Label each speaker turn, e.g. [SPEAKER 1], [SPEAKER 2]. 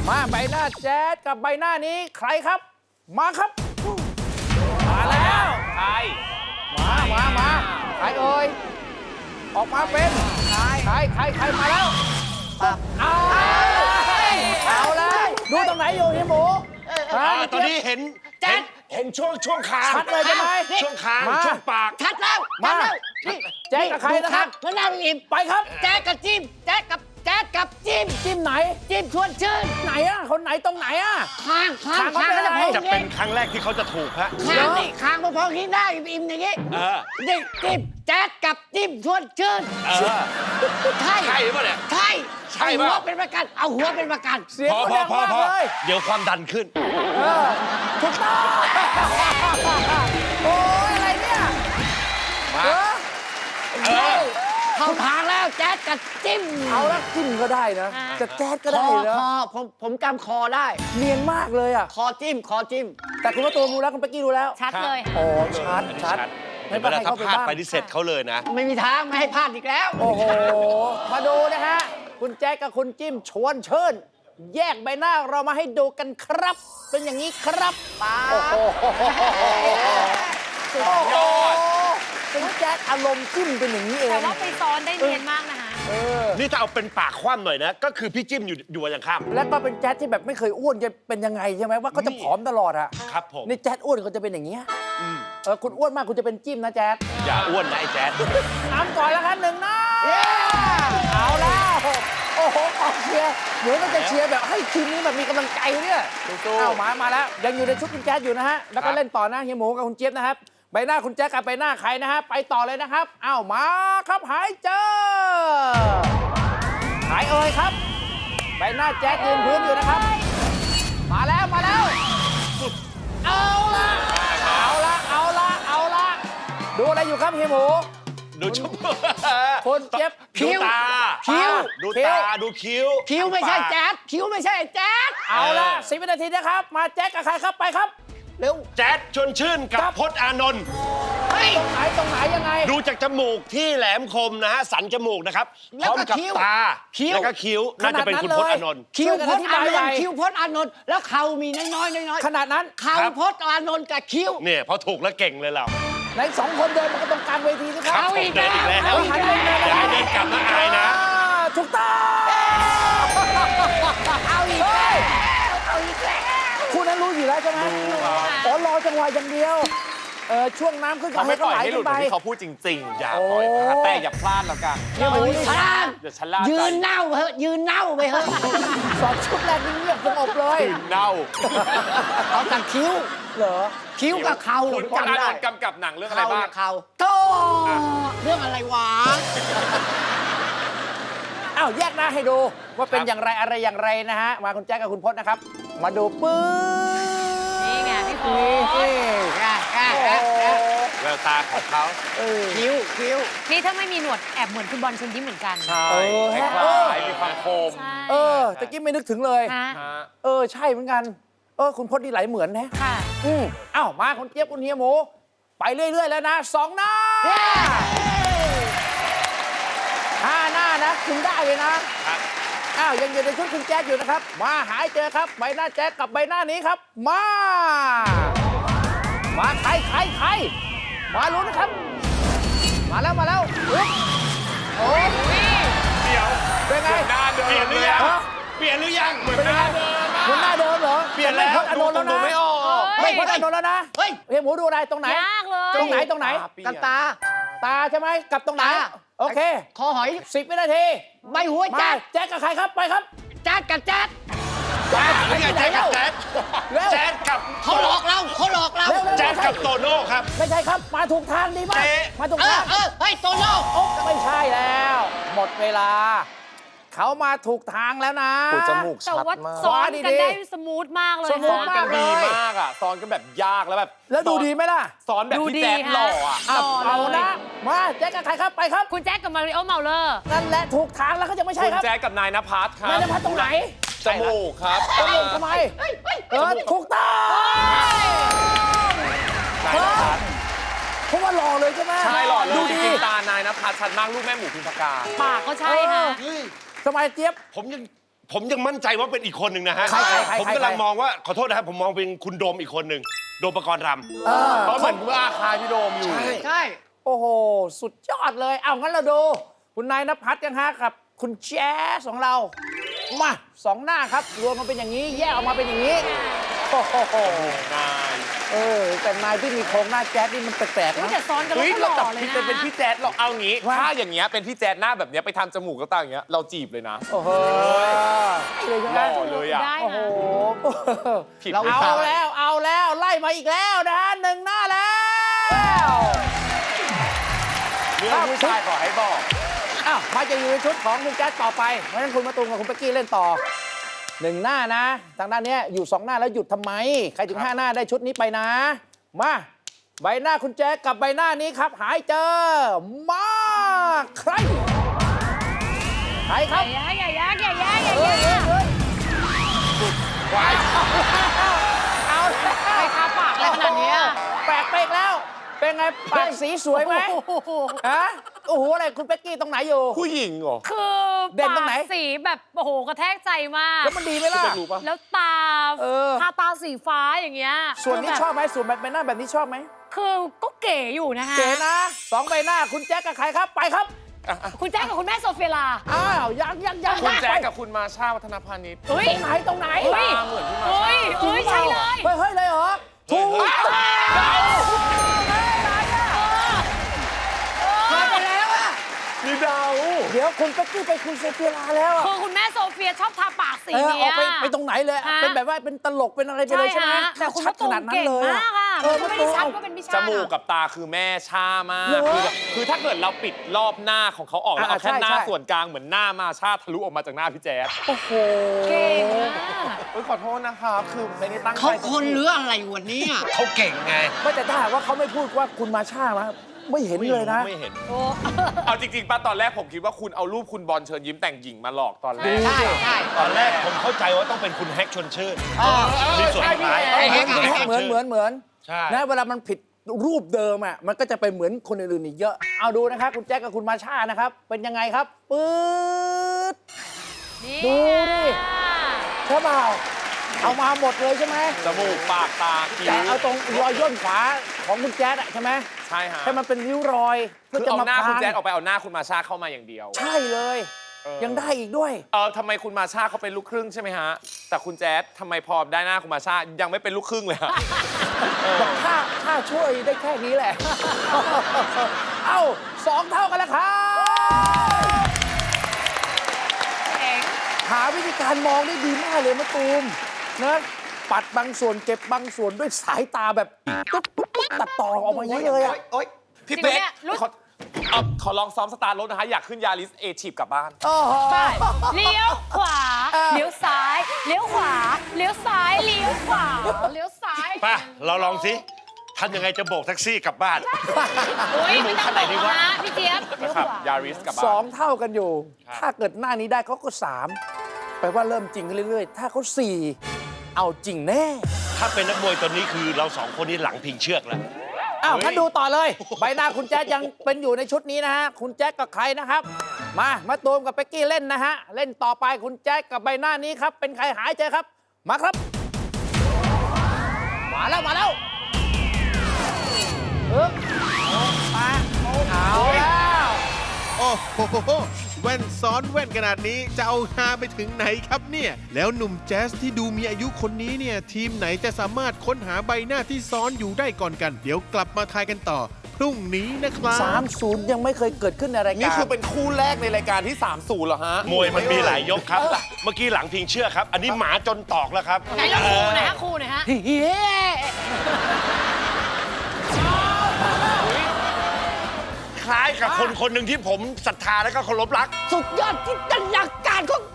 [SPEAKER 1] มาใบหน้าแจ๊ดกับใบหน้านี้ใครครับ มาครับ มาแล้ว
[SPEAKER 2] ใคร
[SPEAKER 1] มาใครเอ่ยออกมาเป็นใครมาแล้วเอาเลยดูตรงไหนอยู่เฮียหมูฮะ
[SPEAKER 3] ตอนนี้เห็นช่วงคาง
[SPEAKER 1] ชัดเลยใช่ไหม
[SPEAKER 3] ช่วงคาง
[SPEAKER 1] มา
[SPEAKER 3] ช่วงปาก
[SPEAKER 4] ชัดแล้ว
[SPEAKER 1] มา
[SPEAKER 4] นี่
[SPEAKER 1] แจ๊ดกับใครนะครับ
[SPEAKER 4] แล้วหน้าลุงอิ่ม
[SPEAKER 1] ไปครับ
[SPEAKER 4] แจ๊ดกับจิ้มแจ๊ดกับจิ้ม
[SPEAKER 1] จิ้มไหน
[SPEAKER 4] จิ้มชวนชื่น
[SPEAKER 1] ไหนอะคนไหนตรงไหนอะ
[SPEAKER 4] ข้าง
[SPEAKER 1] ข้างเขาเป็นอะไร
[SPEAKER 3] จะเป็นครั้งแรกที่เขาจะถูกฮะ
[SPEAKER 4] ข้างนี่ข้างพอๆที่หน้าอิ่มๆอย่างงี้
[SPEAKER 3] เออ
[SPEAKER 4] นี่จิ้มแจ๊ดกับจิ้มชวนชื่น
[SPEAKER 3] เออ
[SPEAKER 4] ใช่
[SPEAKER 3] ใช่ป่ะเนี่ย
[SPEAKER 4] ใช่
[SPEAKER 3] ใช่
[SPEAKER 4] เอา
[SPEAKER 3] ปะ
[SPEAKER 4] หัวเป็นประกันเอาหัวเป็นประกัน
[SPEAKER 1] เสียง
[SPEAKER 3] พอ
[SPEAKER 1] เขาดังมากเลย
[SPEAKER 3] เดี๋ยวความดันขึ้น
[SPEAKER 1] ถูกต้องโอ้ยอะไรเนี่ย
[SPEAKER 3] มา
[SPEAKER 4] เข้าทางแล้วแจ๊ดกับจิ้ม
[SPEAKER 1] เอาละจิ้มก็ได้นะจะแจ๊ดก็ได้นะ
[SPEAKER 4] คอผมจำคอได้
[SPEAKER 1] เนียนมากเลยอ่ะ
[SPEAKER 4] คอจิ้ม
[SPEAKER 1] แต่คุณว่าตัวรู้แล้วคุณเป๊กกี้รู้แล้ว
[SPEAKER 5] ชัดเลย
[SPEAKER 1] โอ้ชัด
[SPEAKER 3] ไม่เป็นไรถ้าพลาดไปที่เสร็จเขาเลยนะ
[SPEAKER 4] ไม่มีทางไม่ให้พลาดอีกแล้ว
[SPEAKER 1] โอ้โห มาดูนะฮะ คุณแจ๊กกับคุณจิ้มชวนเชิญ แยกใบหน้าเรามาให้ดูกันครับ เป็นอย่างนี้ครับป้าโอ้โหสุดยอดเป็นแจ๊กอารมณ์จิ้มเป็นอย่างนี้เอง
[SPEAKER 5] แต่ว่าไปซ้อนได้เนียนมากนะคะ
[SPEAKER 3] นี่ถ้าเอาเป็นปากคว่ำหน่อยนะ ก็คือพี่จิ้มอยู่อย่างข้าม
[SPEAKER 1] แล้วก็เป็นแจ๊ดที่แบบไม่เคยอ้วนจะเป็นยังไงใช่ไหมว่าเขาจะผอมตลอดอะ
[SPEAKER 3] ครับผม
[SPEAKER 1] นี่แจ๊ดอ้วนเขาจะเป็นอย่างนี้ยคุณอ้วนมากคุณจะเป็นจิ้มนะแจ๊ด
[SPEAKER 3] อย่าอ้วนนะไอ้แจ๊ด
[SPEAKER 1] น้ำก่อนแล้วครับหนึ่งน้ำเอาแล้วโอ้โหกองเชียร์เดี๋ยวก็จะเชียร์แบบให้ทีมนี้แบบมีกำลังใจเนี่ยเอามาแล้วยังอยู่ในชุดคุณแจ๊ดอยู่นะฮะแล้วก็เล่นต่อนะเฮียหมูกับคุณเจี๊ยบนะครับใบหน้าคุณแจ๊ดกับใบหน้าใครนะฮะไปต่อเลยนะครับเอามาครับหายเจอหายเอ่ยครับใบหน้าแจ๊ดยืนพื้นอยู่นะครับมาแล้วเอาละดูอะไรอยู่ครับเฮียหมู
[SPEAKER 3] ดูชุบ
[SPEAKER 1] คนเจ็บ
[SPEAKER 3] ดูตา
[SPEAKER 1] คิ้ว
[SPEAKER 3] ดูตา ดูคิ้ว
[SPEAKER 4] คิ้วไม่ใช่แจ๊ดคิ้วไม่ใช่แจ๊ด
[SPEAKER 1] เอาละ10 วินาทีนะครับ มาแจ็คกับใครครับไปครับ เร็ว
[SPEAKER 3] แจ๊ดชวนชื่นกับพจน์อานนท์
[SPEAKER 4] เฮ้ย
[SPEAKER 1] ตรงไหนยังไง
[SPEAKER 3] ดูจากจมูกที่แหลมคมนะฮะ สันจมูกนะครับพ
[SPEAKER 4] แล้ว
[SPEAKER 3] ร้อม
[SPEAKER 4] ก็
[SPEAKER 3] กับ
[SPEAKER 4] คิ้ว
[SPEAKER 3] ตา
[SPEAKER 4] คิ้ว
[SPEAKER 3] แล้วก็คิ้ว น่าจะเป็นคุณพจน์อานนท์
[SPEAKER 4] คิ้วพจน์อานน
[SPEAKER 1] ใหญ่
[SPEAKER 4] ท์คิ้วพจน์อานนท์แล้วเข่ามีน้อยๆ
[SPEAKER 1] ขนาดนั้น
[SPEAKER 4] เข่าพจน์อานนท์กับคิ้ว
[SPEAKER 3] เนี่ยพอถูกแล้วเก่งเลยเรา
[SPEAKER 1] ใน2 คนเดินมันก็ตรงกลางเวทีสิค
[SPEAKER 3] ครั
[SPEAKER 1] รั
[SPEAKER 3] บบ ผมเดินอีกแล้ว
[SPEAKER 1] เอาหันไปเลย
[SPEAKER 3] อย่าให้เดินกลับนะอายนะ
[SPEAKER 1] ถูกต้องเอาอีกแล้วคุณนั้นรู้อยู่แล้วใช่ไหมอ๋อรอจังหวะอย่างเดียวช่วงน้ำขึ้นก็
[SPEAKER 2] เขาไม่ปล่อย
[SPEAKER 1] ไหล
[SPEAKER 2] ให้หลุ
[SPEAKER 1] ขึ้
[SPEAKER 2] ด
[SPEAKER 1] น
[SPEAKER 2] เห
[SPEAKER 1] ไป
[SPEAKER 2] มือนที่เขาพูดจริงๆ อย่า
[SPEAKER 1] โอ้
[SPEAKER 2] ปล่อยพลาดแต่อย่าพลาดแล้วกัน
[SPEAKER 1] เนี่ยมัน
[SPEAKER 4] พลาด
[SPEAKER 2] เดี๋ยวฉันลาใจ
[SPEAKER 4] ยืนเน่าไปเถอะยืนเน่าไปเถอะ
[SPEAKER 1] สองชุดแรกนี่เงียบสงบเลย
[SPEAKER 2] เน่า
[SPEAKER 4] เอาแต่คิ้ว
[SPEAKER 1] เหรอ
[SPEAKER 4] คิ้วกับเข่า
[SPEAKER 2] คุณพจน์อานนท์กำกับหนังเรื่องอะไรบ้าง
[SPEAKER 4] เข่าโตเรื่องอะไรวะ
[SPEAKER 1] อ้าวแยกหน้าให้ดูว่าเป็นอย่างไรอะไรอย่างไรนะฮะมาคุณแจ๊คกับคุณพจน์นะครับ มาดูปื้
[SPEAKER 5] นี่ไงพี่พ
[SPEAKER 1] นี่
[SPEAKER 5] จน์
[SPEAKER 1] โอ้
[SPEAKER 3] แววตาของเขา
[SPEAKER 4] คิ้ว
[SPEAKER 5] นี่ถ้าไม่มีหนวดแอบเหมือนคุณบอลเชิญยิ้มเหมือนกัน
[SPEAKER 2] ใช่
[SPEAKER 1] ฮะ
[SPEAKER 2] คล้ายๆมีความคม
[SPEAKER 5] ใช่
[SPEAKER 1] ตะกี้ไม่นึกถึงเลย
[SPEAKER 5] ฮะ
[SPEAKER 2] ฮะ
[SPEAKER 1] ใช่เหมือนกัน คุณพจน์นี่ไหลเหมือนนะ
[SPEAKER 5] ค่ะ
[SPEAKER 1] อ้าวมาคุณเจี๊ยบคุณเฮียหมู ไปเรื่อย ๆ แล้วนะ2 หน้า5 หน้านะคุณได้เลยนะอ้าวยังอยู่ในชุดคุณแจ๊คอยู่นะครับ มาหายเจอครับใบหน้าแจ๊คกับใบหน้านี้ครับ มาใครมาลุ้นนะครับ มาแล้วอุ๊ยโอ้ย
[SPEAKER 2] เดี๋ยว
[SPEAKER 1] เป็นไง
[SPEAKER 2] หน้าเดิม
[SPEAKER 3] เปลี่ยนหรือยัง
[SPEAKER 1] ฮะ
[SPEAKER 3] เปลี่ยนหรือยัง
[SPEAKER 2] เหมือนหน้าเดิมอะ
[SPEAKER 1] คุณหน้าเดิมเหรอ
[SPEAKER 3] เปลี่ยนแล้ว
[SPEAKER 1] ไม่พจน์อานนท์แล้วนะ
[SPEAKER 2] ดูไม่ออก
[SPEAKER 1] ไม่พจน์อานนท์แล้วนะ
[SPEAKER 4] เฮ้ย
[SPEAKER 1] เฮียหมูดูอะไรตรงไหน
[SPEAKER 5] ยากเลย
[SPEAKER 1] ตรงไหน
[SPEAKER 4] กันตา
[SPEAKER 1] ตาใช่ไหมกับตรงไหน
[SPEAKER 4] ตา
[SPEAKER 1] โอเค
[SPEAKER 4] คอหอย
[SPEAKER 1] 10 วินาที
[SPEAKER 4] ใบหัว
[SPEAKER 1] มา
[SPEAKER 4] แจ๊ด
[SPEAKER 1] แจ็คกับใครครับไปครับ
[SPEAKER 4] แจ๊ดกับแจ๊ด
[SPEAKER 3] ไม่ใช่แจ๊ดกับแจ๊ด
[SPEAKER 1] เร็ว
[SPEAKER 3] แจ๊ดกับ
[SPEAKER 4] เขาหลอกเรา
[SPEAKER 1] เร็ว
[SPEAKER 3] แจ๊ดกับโตโน่ครับ
[SPEAKER 1] ไม่ใช่ครับมาถูกทางดีมาก
[SPEAKER 3] เอ๊ะ
[SPEAKER 1] มาถูก
[SPEAKER 4] เอ
[SPEAKER 1] ทา
[SPEAKER 4] อง เฮ้ยโตโน่
[SPEAKER 1] โอ๊ะไม่ใช่แล้ว หมดเวลา เขามาถูกทางแล้วนะ
[SPEAKER 2] โอ้จมูก
[SPEAKER 5] แต่
[SPEAKER 2] ชัด
[SPEAKER 5] ว่า
[SPEAKER 2] มา
[SPEAKER 5] ซ้อน
[SPEAKER 1] ดี
[SPEAKER 5] กัน
[SPEAKER 1] ๆ
[SPEAKER 5] ได้สมูทมากเลย
[SPEAKER 1] สมู
[SPEAKER 2] ซ้
[SPEAKER 1] ท
[SPEAKER 2] อน
[SPEAKER 5] ค่ะ
[SPEAKER 2] กันดี
[SPEAKER 1] มากเลย
[SPEAKER 2] มากอ่ะซ้อนกันแบบยากแล้วแบบ
[SPEAKER 1] แล้วดูดีไหมล่ะ
[SPEAKER 2] ซ้อนแบบ
[SPEAKER 5] ดู
[SPEAKER 2] พี่
[SPEAKER 5] ดี
[SPEAKER 2] แจ๊ดหล่ออ่ะ
[SPEAKER 5] ค่ะหล่
[SPEAKER 1] เอา
[SPEAKER 5] อเล
[SPEAKER 1] นะ
[SPEAKER 5] ย
[SPEAKER 1] มาแจ็คกับใครครับไปครับ
[SPEAKER 5] คุณแจ็คกับมาริโอเมาเลอร์
[SPEAKER 1] นั่นแหละถูกทางแล้วเขาจะไม่ใช่
[SPEAKER 2] คุณ
[SPEAKER 1] ครับ
[SPEAKER 2] แจ๊ดกับนายนภัสครับ
[SPEAKER 1] นายนภัสตรงไหน
[SPEAKER 2] จมูกครับ
[SPEAKER 1] ตรงนี้ทำไมถูกต้อง
[SPEAKER 2] นายนภัส
[SPEAKER 1] เพราะว่าหล่อเลยใช่ไหม
[SPEAKER 2] ใช่หล่อเล
[SPEAKER 1] ดู
[SPEAKER 2] ยจ
[SPEAKER 1] ดี
[SPEAKER 2] ริงๆตานายนภัสชัดมากลูกแม่หมูพิมพากา
[SPEAKER 5] ปากก็ใช่ค่ะ
[SPEAKER 1] สมัยเจี๊ยบ
[SPEAKER 3] ผมยังผมยังมั่นใจว่าเป็นอีกคนหนึ่งนะฮะ
[SPEAKER 1] ใคร
[SPEAKER 3] ผมกำลังมองว่าขอโทษนะครับผมมองเป็นคุณโดมอีกคนหนึ่งโดมปกรณ์รำ
[SPEAKER 2] เพราะเหมือนว่าคายพี่โดมอยู่
[SPEAKER 4] ใช่
[SPEAKER 1] โอ้โห สุดยอดเลย เอางั้นเราดู คุณนายณภัทรกันฮะกับคุณแจ๊สของเรา มาสองหน้าครับ รวมมาเป็นอย่างนี้ แยกออกมาเป็นอย่างนี้ โอ้โห
[SPEAKER 2] นาย
[SPEAKER 1] แต่นายที่มีโครงหน้าแจ๊สนี่มันแปลกๆ
[SPEAKER 5] อุ๊ย
[SPEAKER 1] นะ
[SPEAKER 5] แต่ซ้อนกันแล้ว
[SPEAKER 2] เฮ้ย
[SPEAKER 5] ก็ห
[SPEAKER 2] เรา
[SPEAKER 5] ล่
[SPEAKER 2] จับ
[SPEAKER 5] อเลย
[SPEAKER 2] ผิด
[SPEAKER 5] นะ
[SPEAKER 2] เป็นพี่แจ๊ดหรอกเอางี้
[SPEAKER 1] ว่า
[SPEAKER 2] ถ้าอย่างเงี้ยเป็นพี่แจ๊ดหน้าแบบเนี้ยไปทำจมูกก็ต่างอย่างเงี้ยเราจีบเลยนะ
[SPEAKER 1] โอ้โหเลยใช่ไห
[SPEAKER 2] ห
[SPEAKER 1] ม
[SPEAKER 2] ล่อเลยอ่ะ
[SPEAKER 5] ได้
[SPEAKER 1] โอ้โห
[SPEAKER 5] นะ
[SPEAKER 2] ผิด
[SPEAKER 1] เอา
[SPEAKER 2] ไม่ได้
[SPEAKER 1] แล้วไล่มาอีกแล้วนะฮะหนึ่งหน้าแล้ว
[SPEAKER 2] เรื่องผู้ชายขอให้บอก
[SPEAKER 1] อ้าวมาจะอยู่ในชุดของคุณแจ๊สต่อไปเพราะฉะนั้นคุณมาตูมกับคุณเป๊กกี้เล่นต่อหนึ่งหน้านะทางด้านเนี้ยอยู่สองหน้าแล้วหยุดทำไม ใครถึงห้าหน้าได้ชุดนี้ไปนะ มาใบหน้าคุณแจ๊สกับใบหน้านี้ครับ หายเจอมาใครครับ
[SPEAKER 5] อย่ายักอย่ายักอย่า
[SPEAKER 1] เอ้
[SPEAKER 5] ยั
[SPEAKER 1] ย
[SPEAKER 5] ก
[SPEAKER 1] เอ้ยเอ้ยเอาแล้ว
[SPEAKER 5] ใครทาปากอะไรขนาดเนี้ย
[SPEAKER 1] แปลกไปอีกแล้ว เป็นไงปากสีสวยไหมฮะโอ้โหอะไรคุณเป๊กกี้ตรงไหนอยู่
[SPEAKER 2] ผู้หญิงเหรอ
[SPEAKER 5] คือ
[SPEAKER 1] เด่นตรงไหน
[SPEAKER 5] ปากสีแบบโอ้โหกระแทกใจมาก
[SPEAKER 1] แล้วมันดีไหมล่ะ
[SPEAKER 2] เป็นรู้ปะ
[SPEAKER 5] แล้วตา
[SPEAKER 1] เออ
[SPEAKER 5] ทาตาสีฟ้าอย่างเงี้ย
[SPEAKER 1] ส่วนนี้
[SPEAKER 5] คืแบบ
[SPEAKER 1] ชอบไหมส่วนแบบใบหน้าแบบนี้ชอบไหม
[SPEAKER 5] คือก็เก๋อยู่นะฮะ
[SPEAKER 1] เก๋นะสองใบหน้าคุณแจ๊คกับใครครับไปครับ
[SPEAKER 5] คุณแจ๊คกับคุณแม่โซเฟียลา
[SPEAKER 1] อ้าวยัง
[SPEAKER 2] คุณแจ๊ด
[SPEAKER 1] ไป
[SPEAKER 2] กับคุณมาชาวัฒนพานิช
[SPEAKER 5] เฮ้ย
[SPEAKER 1] ตรงไหน
[SPEAKER 5] เฮ้ย
[SPEAKER 2] ตาเหมือนพี่มา
[SPEAKER 5] เฮ้ย
[SPEAKER 2] ชา
[SPEAKER 5] เฮ้ยใช่เลย
[SPEAKER 1] เฮ้ยเลยเหรอถูก
[SPEAKER 4] มาไปแล้วอะ
[SPEAKER 2] นี่เดา
[SPEAKER 1] เดี๋ยวคุณเป๊กกี้ไปคุณโซเฟียลาแล้วอะ
[SPEAKER 5] คือคุณแม่โซเฟียชอบทาปากสี
[SPEAKER 1] เออ
[SPEAKER 5] เนี้
[SPEAKER 1] อย อกไปตรงไหนเลย
[SPEAKER 5] ฮะ
[SPEAKER 1] เป็นแบบว่าเป็นตลกเป็นอะไรไป
[SPEAKER 5] ใช่
[SPEAKER 1] เลยใช่ไหม
[SPEAKER 5] ฮะแต่คุณ
[SPEAKER 1] ชั
[SPEAKER 5] มะ
[SPEAKER 1] ดข
[SPEAKER 5] ตูม
[SPEAKER 1] นาดนั้น
[SPEAKER 5] เก่ง
[SPEAKER 1] เลย
[SPEAKER 5] มากอ่ะ
[SPEAKER 1] เออ
[SPEAKER 5] มันก็ไม่ได้ชัดว่าเป็นพี่ชา
[SPEAKER 2] จมูกกับตาคือแม่ชามาก
[SPEAKER 1] เหรอ
[SPEAKER 2] คือถ้าเกิดเราปิดรอบหน้าของเขาออกแล้วเอาแค่
[SPEAKER 1] ใช่
[SPEAKER 2] หน้า
[SPEAKER 1] ใช่
[SPEAKER 2] ส่วนกลางเหมือนหน้ามาชาทะลุออกมาจากหน้าพี่แจ๊ด
[SPEAKER 1] โอ้โห
[SPEAKER 5] เก่งมาก
[SPEAKER 2] เฮ้ยขอโทษนะครับคือไม่ได้ตั้งใจ
[SPEAKER 4] เขาคนหรืออะไรวันนี้อะ
[SPEAKER 3] เขาเก่งไง
[SPEAKER 1] ไม่แต่ถ้าหากว่าเขาไม่พูดว่าคุณมาช่ามาไม่เห็นเลยนะ
[SPEAKER 2] ไม่เห็น
[SPEAKER 5] โอ้
[SPEAKER 2] เอาจริงๆป้าตอนแรกผมคิดว่าคุณเอารูปคุณบอลเชิญยิ้มแต่งหญิงมาหลอกตอนแรก
[SPEAKER 4] ใช่ใช่
[SPEAKER 3] ตอนแรกผมเข้าใจว่าต้องเป็นคุณแฮกชวนชื่น มีส่วน
[SPEAKER 2] ใช่
[SPEAKER 3] คล้าย
[SPEAKER 2] พี่
[SPEAKER 1] เห
[SPEAKER 2] แฮ
[SPEAKER 1] มือน
[SPEAKER 2] ก
[SPEAKER 1] เหมือน
[SPEAKER 3] ใช่
[SPEAKER 1] นะเวลามันผิดรูปเดิมอ่ะมันก็จะไปเหมือนคนอื่นๆอีกเยอะ เอาดูนะครับคุณแจ็คกับคุณมาช่านะครับ เป็นยังไงครับปื๊ด
[SPEAKER 5] นี่
[SPEAKER 1] ดูดิ ใช่เปล่าเอามาหมดเลยใช่ไหม
[SPEAKER 2] จมูกปากตาคิ้
[SPEAKER 1] แต่
[SPEAKER 2] ว
[SPEAKER 1] เอาตรงรอยย่นขวาของคุณแจ๊ดอะใช่ไหม
[SPEAKER 2] ใช่ฮะ
[SPEAKER 1] ให้มันเป็นริ้วรอยเพื่อ
[SPEAKER 2] คือ
[SPEAKER 1] จะ
[SPEAKER 2] เอา
[SPEAKER 1] มา
[SPEAKER 2] หน้า
[SPEAKER 1] พ
[SPEAKER 2] คุณ
[SPEAKER 1] ราง
[SPEAKER 2] แจ๊ดออกไปเอาหน้าคุณมาชาเข้ามาอย่างเดียว
[SPEAKER 1] ใช่เลย
[SPEAKER 2] เออ
[SPEAKER 1] ยังได้อีกด้วย
[SPEAKER 2] ทำไมคุณมาชาเขาเป็นลูกครึ่งใช่ไหมฮะ แต่คุณแจ๊ดทำไมพอได้หน้าคุณมาชายังไม่เป็นลูกครึ่งเลยฮะ
[SPEAKER 1] บอกถ้าช่วยได้แค่นี้แหละ เอ้า2 เท่ากันแล้วครับ
[SPEAKER 5] เก่ง
[SPEAKER 1] หาวิธีการมองได้ดีมากเลยมะตูมนะปัดบางส่วนเก็บบางส่วนด้วยสายตาแบบตุ๊บปุ๊บปุ๊บตัดต่อออกมาอย่างนี้เลยอะ
[SPEAKER 2] พี่เป๊กขอลองซ้อมสตาร์ทรถนะคะ อยากขึ้นยาริสเอชีพกลับบ้าน
[SPEAKER 1] โอ้โห
[SPEAKER 5] ไปเลี้ยวขวา
[SPEAKER 1] เออ
[SPEAKER 5] เลี้ยวซ้าย เลี้ยวขวา เลี้ยวซ้าย เลี้ยวขวา เลี้ยวซ้าย
[SPEAKER 3] ป่ะ เราลองสิทำยังไงจะโบกแท็กซี่กลับบ้าน
[SPEAKER 5] โอ้ยไม่ต้อง
[SPEAKER 3] ขนาดนี้
[SPEAKER 5] บอก
[SPEAKER 3] วะ
[SPEAKER 5] นะพี่เจี๊ยบเลี้ยว
[SPEAKER 2] ครั
[SPEAKER 5] ข
[SPEAKER 2] บ
[SPEAKER 5] วาย
[SPEAKER 2] าริสกลับบ้าน
[SPEAKER 1] 2 เท่ากันอยู่ ถ้าเกิดหน้านี้ได้เขาก็ 3 แปลว่าเริ่มจริงขึ้นเรื่อยๆ ถ้าเขา 4 เอาจริงแน่
[SPEAKER 3] ถ้าเป็นนักมวยตอนนี้คือเราสองคนนี้หลังพิงเชือกแล้ว
[SPEAKER 1] อ้าว
[SPEAKER 3] เฮ้ย
[SPEAKER 1] งั้นดูต่อเลย ใบหน้าคุณแจ๊ดยังเป็นอยู่ในชุดนี้นะฮะ คุณแจ๊ดกับใครนะครับ มาตูมกับเป๊กกี้เล่นนะฮะ เล่นต่อไปคุณแจ๊ดกับใบหน้านี้ครับ เป็นใครหายใจครับ มาครับ มาแล้วมาเอาแล้ว
[SPEAKER 6] โอ้โหแว่นซ้อนแว่นขนาดนี้จะเอาฮาไปถึงไหนครับเนี่ย แล้วหนุ่มแจ๊สที่ดูมีอายุคนนี้เนี่ย ทีมไหนจะสามารถค้นหาใบหน้าที่ซ้อนอยู่ได้ก่อนกัน เดี๋ยวกลับมาทายกันต่อ พรุ่งนี้นะครับ
[SPEAKER 1] 30 ยังไม่เคยเกิดขึ้นในรายการ
[SPEAKER 2] นี่คือเป็นคู่แรกในรายการที่ 30เหรอฮะ
[SPEAKER 3] มวยมันมีหลายยกครับ เมื่อกี้หลังพิงเชือกครับ อันนี้หมาจนตอกแล้วครับ
[SPEAKER 5] ไหนลองครูหน่อยฮะครูหน่อยฮะ
[SPEAKER 3] คล้ายกับคนคนหนึ่งที่ผมศรัทธาและก็เคารพรัก
[SPEAKER 4] สุดยอดจินตนาการของ